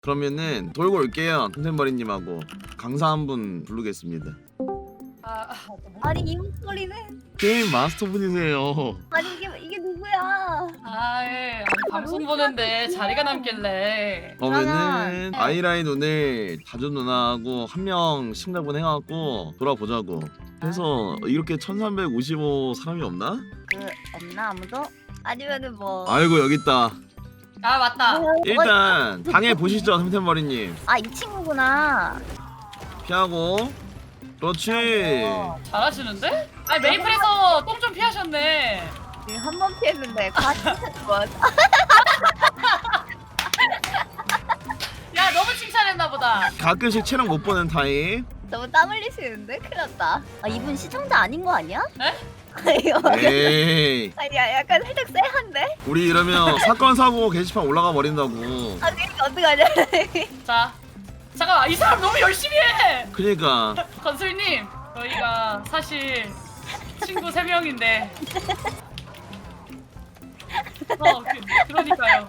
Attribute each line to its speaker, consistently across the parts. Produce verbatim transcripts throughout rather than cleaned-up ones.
Speaker 1: 그러면은 돌고 올게요. 템템버리님하고 강사 한 분 부르겠습니다.
Speaker 2: 아, 아,
Speaker 3: 아니 이 목소리는
Speaker 1: 게임 마스터분이세요.
Speaker 3: 아니 이게 이게 누구야?
Speaker 2: 아, 예. 아니, 방송 보는데 자리가 남길래.
Speaker 1: 그러면은
Speaker 3: 네.
Speaker 1: 아이라인 오늘 다주 누나하고 한 명 심사분 해갖고 돌아보자고. 해서 이렇게 천삼백오십오 사람이 없나?
Speaker 3: 그 없나 아무도? 아니면은 뭐?
Speaker 1: 아이고 여기 있다.
Speaker 2: 아, 맞다.
Speaker 1: 일단 당해 보시죠, 템템버리님.
Speaker 3: 아이 친구구나.
Speaker 1: 피하고. 그렇지.
Speaker 2: 잘하시는데? 아니, 메이플에서 똥 좀 피하셨네.
Speaker 3: 한 번 피했는데 같이 뭐?
Speaker 2: 야, 너무 칭찬했나 보다.
Speaker 1: 가끔씩 체력 못 보는 타입.
Speaker 3: 너무 땀 흘리시는데 큰일 났다. 아 이분 시청자 아닌 거 아니야?
Speaker 2: 에?
Speaker 3: 이거
Speaker 1: 에이.
Speaker 3: 아니 야, 약간 살짝 쎄한데?
Speaker 1: 우리 이러면 사건 사고 게시판 올라가 버린다고.
Speaker 3: 아 그러니까 어떡하냐?
Speaker 2: 자, 잠깐만. 이 사람 너무 열심히 해.
Speaker 1: 그니까
Speaker 2: 건술님, 저희가 사실 친구 세 명인데. 어, 그, 그러니까요.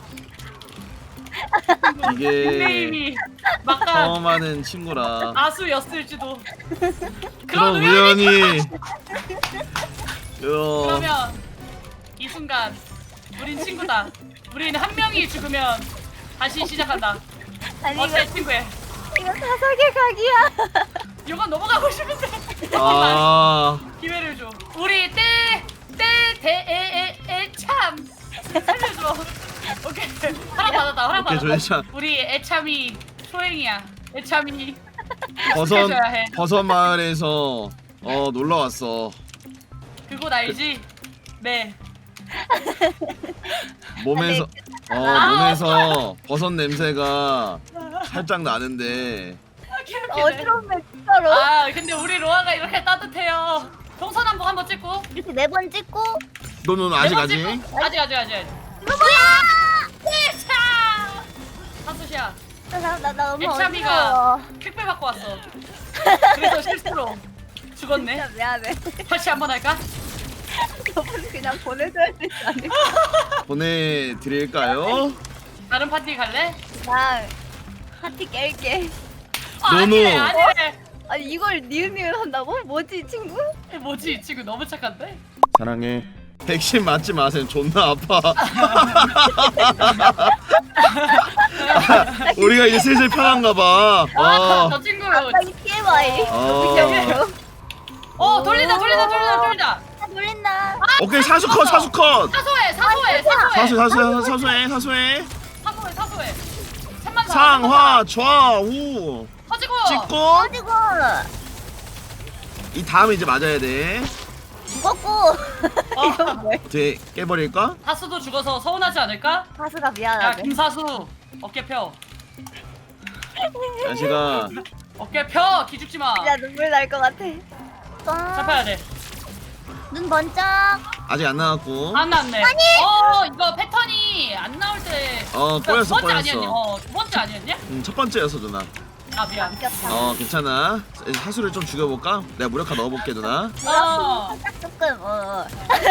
Speaker 1: 이게
Speaker 2: 닉네임이 막간
Speaker 1: 처음 하는 친구라
Speaker 2: 아수였을지도.
Speaker 1: 그런
Speaker 2: 그런 우연이.
Speaker 1: 우연이. 요.
Speaker 2: 그러면 이 순간 우린 친구다. 우린 한 명이 죽으면 다시 시작한다.
Speaker 3: 아니 이거
Speaker 2: 어때 친구야?
Speaker 3: 이거 사사계 각이야.
Speaker 2: 이건 넘어가고 싶은데.
Speaker 1: 아
Speaker 2: 기회를 줘. 우리 때때대에에에참 살려줘. 오케이. 허락 받았다. 허락
Speaker 1: 오케이
Speaker 2: 받았다.
Speaker 1: 조회차
Speaker 2: 우리 애참이 소행이야. 애참이
Speaker 1: 버섯
Speaker 2: 해줘야 해.
Speaker 1: 버섯 마을에서 어 놀러 왔어.
Speaker 2: 그곳 알지? 네.
Speaker 1: 몸에서 어 몸에서 버섯 냄새가 살짝 나는데.
Speaker 2: 아, 개웃기네.
Speaker 3: 어지럽네 진짜로.
Speaker 2: 아 근데 우리 로아가 이렇게 따뜻해요. 동서남북 한번 찍고.
Speaker 3: 이렇게 네 번 찍고
Speaker 1: 너는 아직
Speaker 2: 네번
Speaker 1: 아직
Speaker 2: 찍고. 아직 아직 아직 아직.
Speaker 3: 이거 뭐야?
Speaker 2: 차. 하수시야.
Speaker 3: 나나 너무
Speaker 2: 애참이가-
Speaker 3: 어지러워.
Speaker 2: 킥배 받고 왔어. 그래서 실수로 죽었네.
Speaker 3: 진짜 미안해.
Speaker 2: 다시 한번 할까?
Speaker 3: 저분 그냥 보내줘야 되지 않을까?
Speaker 1: 보내드릴까요?
Speaker 2: 다른 파티 갈래?
Speaker 3: 그냥 파티 깰게.
Speaker 2: 아,
Speaker 1: 노노.
Speaker 2: 아니래 아니래.
Speaker 3: 아니 이걸 니은니은 한다고? 뭐지 이 친구?
Speaker 2: 뭐지 이 친구 너무 착한데?
Speaker 1: 사랑해. 백신 맞지 마세요. 존나 아파. 우리가 이제 슬슬 편한가 봐.
Speaker 2: 아,
Speaker 1: 어.
Speaker 2: 저 친구.
Speaker 3: 갑자기 티엠아이.
Speaker 1: 어.
Speaker 2: 어 돌린다 돌린다 돌린다 돌린다.
Speaker 3: 아 놀린다.
Speaker 1: 오케이 사수 컷 사수 컷.
Speaker 2: 사소해 사소해 사소해
Speaker 1: 사수 사수 사수해 사수해.
Speaker 2: 사소해 사소해. 삼만 사.
Speaker 1: 상화 좌우
Speaker 2: 터지고.
Speaker 1: 찍고
Speaker 3: 어디고?
Speaker 1: 이 다음에 이제 맞아야 돼.
Speaker 3: 죽었고.
Speaker 2: 어.
Speaker 3: 이거 뭐야?
Speaker 1: 어떻게 깨버릴까?
Speaker 2: 사수도 죽어서 서운하지 않을까?
Speaker 3: 가수가
Speaker 2: 야
Speaker 3: 미안하네.
Speaker 2: 김사수 어깨 펴.
Speaker 1: 야시가
Speaker 2: 어깨 펴 기죽지 마.
Speaker 3: 진짜 눈물 날 것 같아.
Speaker 2: 잡아야 돼.
Speaker 3: 눈 번쩍.
Speaker 1: 아직 안 나왔고.
Speaker 2: 안 나왔네. 어 이거 패턴이 안 나올 때.
Speaker 1: 어,
Speaker 2: 그러니까
Speaker 1: 꼬였어,
Speaker 2: 두 번째
Speaker 1: 꼬였어.
Speaker 2: 아니었냐? 어두 번째 아니었냐?
Speaker 1: 음, 첫 번째였어 누나.
Speaker 2: 아 미안.
Speaker 3: 바뀌었다.
Speaker 1: 어 괜찮아. 사수를 좀 죽여볼까? 내가 무력화 넣어볼게 누나.
Speaker 2: 어.
Speaker 3: 살짝 조금 어.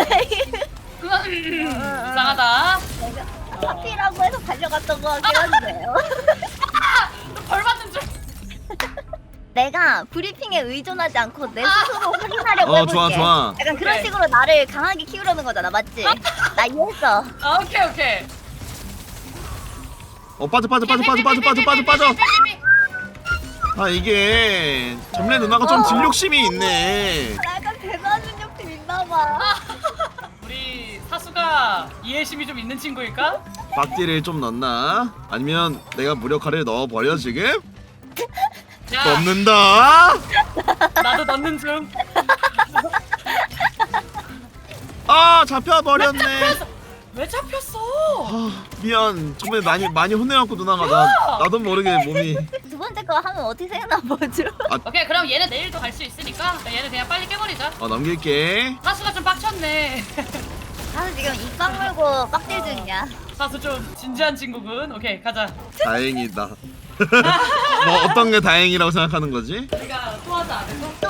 Speaker 2: 음, 이상하다.
Speaker 3: 내가 파티라고 해서 달려갔던 것 같긴 한데요.
Speaker 2: 벌 받는 줄.
Speaker 3: 내가 브리핑에 의존하지 않고 내 스스로 확인하려고
Speaker 1: 어
Speaker 3: 해볼게.
Speaker 1: 좋아 좋아.
Speaker 3: 약간 그런
Speaker 2: 오케이.
Speaker 3: 식으로 나를 강하게 키우려는 거잖아, 맞지? 나 이해했어.
Speaker 2: 아, 오케이 오케이.
Speaker 1: 어 빠져 빠져 빠져 빠져 빠져 빠져 빠져 빠져. 아 이게 점례 누나가 좀 딜욕심이 있네.
Speaker 3: 나 약간 대단한 능력팀 있나봐.
Speaker 2: 우리 사수가 이해심이 좀 있는 친구일까?
Speaker 1: 박디를 좀 넣나? 아니면 내가 무력화를 넣어버려 지금?
Speaker 2: 야
Speaker 1: 넣는다.
Speaker 2: 나도 넣는 중.
Speaker 1: 아 잡혀버렸네.
Speaker 2: 왜 잡혔어?
Speaker 1: 아, 미안. 정말 많이 많이 혼내갖고 누나가 나 나도 모르게 몸이.
Speaker 3: 두 번째 거 하면 어떻게 생각나보죠?
Speaker 2: 오케이 그럼 얘는 내일도 갈 수 있으니까 얘는 그냥 빨리 깨버리자.
Speaker 1: 어 넘길게.
Speaker 2: 사수가 좀 빡쳤네.
Speaker 3: 나는 지금 입 물고 빡딜 중이야.
Speaker 2: 사수 좀 진지한 친구군. 오케이 가자.
Speaker 1: 다행이다. 뭐 어떤 게 다행이라고 생각하는 거지?
Speaker 2: 우리가 또 하자 안 해서?
Speaker 3: 또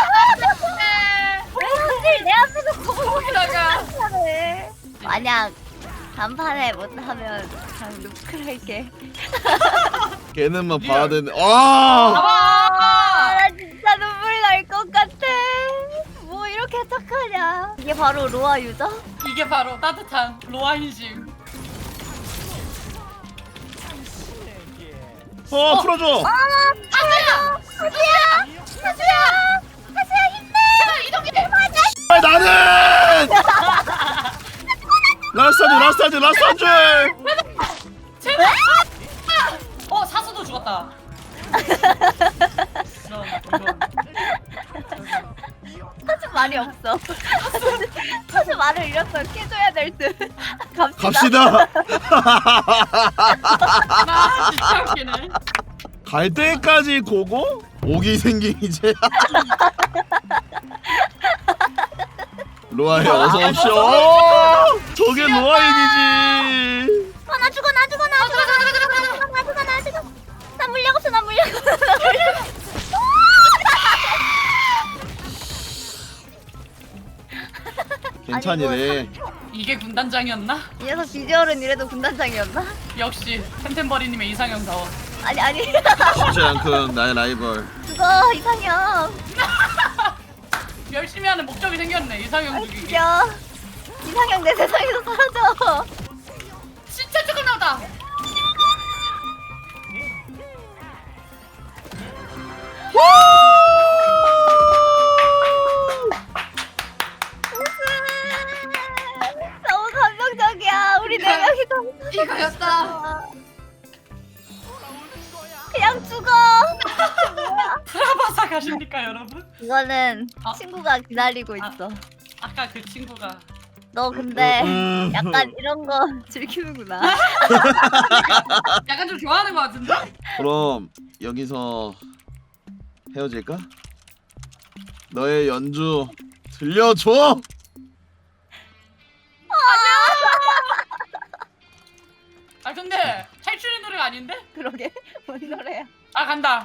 Speaker 3: 사실 내 앞에서
Speaker 2: 거기다가
Speaker 3: 고고고를 만약 단판에 못하면 그냥 루크를 할게.
Speaker 1: 걔는만
Speaker 2: 리얼.
Speaker 1: 봐야 되네. 아!
Speaker 3: 아, 나 진짜 눈물 날 것 같아. 뭐 이렇게 착하냐. 이게 바로 로아 유저?
Speaker 2: 이게 바로 따뜻한 로아인심.
Speaker 1: 어, 풀어줘.
Speaker 3: 하수야! 하수야! 하수야! 하수야 힘내!
Speaker 2: 제가 이동해.
Speaker 1: 빨리 나는! 라스타즈, 라스타즈, 라스타즈!
Speaker 2: 제발. 어 사수도 죽었다. 이런, 이런.
Speaker 3: 하수 말이 없어. 하수 말을 잃었어. 깨줘야 될 듯. 갑시다.
Speaker 1: 갑시다.
Speaker 2: 나 진짜 웃기네.
Speaker 1: 갈 때까지 고고? 오기 생긴 이제. 로아야 어서 오쇼. 저게 로아인이지.
Speaker 3: 아, 나 죽어, 나 죽어, 나 죽어, 나 죽어, 나 죽어, 나 죽어, 나 죽어. 나 물약 없어, 나 물약 없어, 나 물약 없어.
Speaker 1: 괜찮이래.
Speaker 2: 이게 군단장이었나?
Speaker 3: 이 녀석 비주얼은 이래도 군단장이었나?
Speaker 2: 역시 템템버리님의 이상형다워.
Speaker 3: 아니, 아니.
Speaker 1: 쉽지 않군 나의 라이벌.
Speaker 3: 죽어, 이상형.
Speaker 2: 열심히 하는 목적이 생겼네. 이상형
Speaker 3: 아,
Speaker 2: 죽이기.
Speaker 3: 죽여. 이상형 내 세상에서 사라져.
Speaker 2: 진짜 조금 나오다.
Speaker 3: 너무 감동적이야. 우리 네 명이 너무
Speaker 2: 이거였다.
Speaker 3: 그냥 죽어.
Speaker 2: 프라바사 가십니까 여러분?
Speaker 3: 이거는
Speaker 2: 아.
Speaker 3: 친구가 기다리고
Speaker 2: 아.
Speaker 3: 있어.
Speaker 2: 아까 그 친구가
Speaker 3: 너 근데
Speaker 1: 음.
Speaker 3: 약간 이런 거 즐기는구나.
Speaker 2: 약간 좀 좋아하는 것 같은데?
Speaker 1: 그럼 여기서 헤어질까? 너의 연주 들려줘.
Speaker 2: 아 근데 탈출의 노래가 아닌데?
Speaker 3: 그러게 뭔 노래야?
Speaker 2: 아 간다.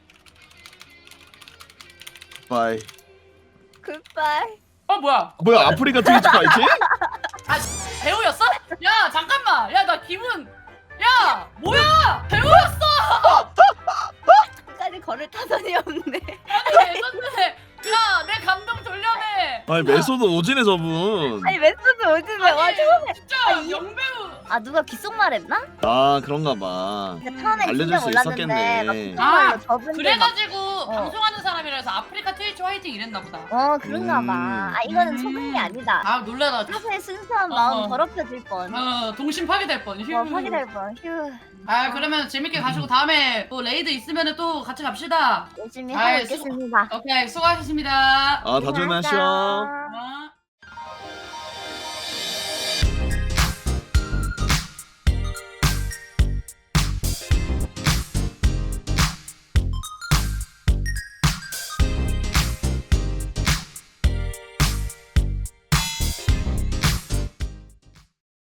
Speaker 1: 바이.
Speaker 3: 굿바이.
Speaker 2: 어 뭐야?
Speaker 1: 뭐야 아프리카 트위치 파이팅?
Speaker 2: 아 배우였어? 야 잠깐만. 야 나 기분. 야 뭐야? 배우였어.
Speaker 3: 끝까지 걸을 타선이 없네.
Speaker 2: 아니 레전드네. 야내 감동 돌려내.
Speaker 1: 아니 메소드 오지네 저분.
Speaker 3: 아니 메소드 요즘에 와 처음에
Speaker 2: 진짜
Speaker 3: 아니,
Speaker 2: 영배우.
Speaker 3: 아 누가 귓속말했나?
Speaker 1: 아 그런가 봐.
Speaker 3: 그러니까 처음엔
Speaker 1: 알려줄
Speaker 3: 진짜
Speaker 1: 수
Speaker 3: 몰랐는데
Speaker 1: 있었겠네.
Speaker 3: 막 귓속말로
Speaker 2: 아,
Speaker 3: 저분들 막
Speaker 2: 그래가지고 방송하는 사람이라서 아프리카 트위치 화이팅 이랬나 보다.
Speaker 3: 어 그런가 봐.
Speaker 1: 음.
Speaker 3: 아 이거는
Speaker 2: 음.
Speaker 3: 소금이 아니다.
Speaker 2: 아 놀래라.
Speaker 3: 사실 순수한
Speaker 2: 어,
Speaker 3: 마음
Speaker 2: 어.
Speaker 3: 더럽혀질 뻔.
Speaker 2: 어 동심 파괴될 뻔. 휴.
Speaker 3: 어 파괴될 뻔. 휴.
Speaker 2: 아 그러면 재밌게 가시고 다음에 또 레이드 있으면 또 같이 갑시다.
Speaker 3: 열심히
Speaker 2: 아이,
Speaker 3: 하고 있겠습니다.
Speaker 2: 오케이 수고하셨습니다.
Speaker 1: 아 다준아 쉬어.
Speaker 2: 어.